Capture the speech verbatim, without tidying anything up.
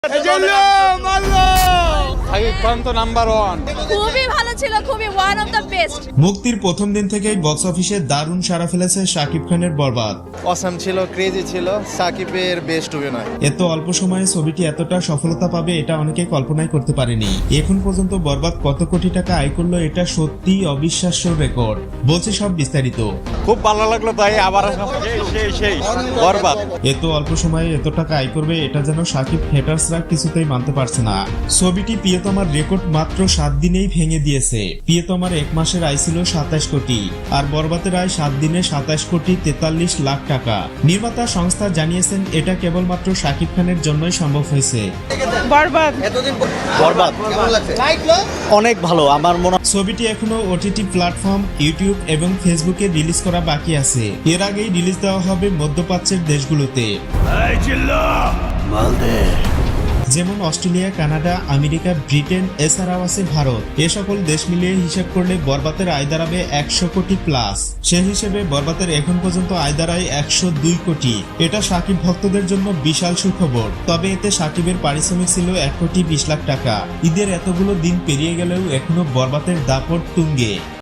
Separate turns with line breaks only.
খুবই ভালো ছিল, খুবই ওয়ান অফ দ্য বেস্ট।
মুক্তির প্রথম দিন থেকেই বক্স অফিসে দারুণ সাড়া ফেলেছে শাকিব খানের বরবাদ।
অসাম ছিল, ক্রেজি ছিল, সাকিবের বেস্ট অভিনয়।
এত অল্প সময়ে ছবিটি এতটা সফলতা পাবে এটা অনেকে কল্পনাই করতে পারেনি। এখন পর্যন্ত বরবাদ কত কোটি টাকা আয় করলো এটা সত্যি অবিশ্বাস্য রেকর্ড। বলছে সব বিস্তারিত।
খুব ভালো লাগলো ভাই, আবার সেই সেই বরবাদ।
এত অল্প সময়ে এত টাকা আয় করবে এটা যেন শাকিব হেটার্সরা কিছুতেই মানতে পারছে না। ছবিটি প্রিয়তমার রেকর্ড মাত্র সাত দিনেই ভেঙে দিয়েছে। প্রিয়তমার এক মাসের আয় ছিল সাতাশ কোটি, আর বরবাদের আয় সাত দিনে সাতাশ কোটি তেতাল্লিশ লাখ টাকা। নির্মাতা সংস্থা জানিয়েছেন এটা কেবলমাত্র শাকিব খানের জন্যই সম্ভব হয়েছে।
বরবাদ
বরবাদ কেমন লাগছে? অনেক ভালো। আমার মনে
ছবিটি এখনো ওটিটি প্ল্যাটফর্ম ইউটিউব এবং ফেসবুকে রিলিজ করা বাকি আছে। এর আগেই রিলিজ দেওয়া হবে মধ্যপ্রাচ্যের দেশগুলোতে, যেমন অস্ট্রেলিয়া, কানাডা, আমেরিকা, ব্রিটেন, এছাড়াও আছে ভারত। এ সকল দেশ মিলিয়ে হিসাব করলে বরবাদের আয় দাঁড়াবে একশো কোটি প্লাস। সে হিসেবে বরবাদের এখন পর্যন্ত আয় দাঁড়ায় একশো দুই কোটি। এটা শাকিব ভক্তদের জন্য বিশাল সুখবর। তবে এতে শাকিবের পারিশ্রমিক ছিল এক কোটি বিশ লাখ টাকা। ঈদের এতগুলো দিন পেরিয়ে গেলেও এখনো বরবাদের দাপট তুঙ্গে।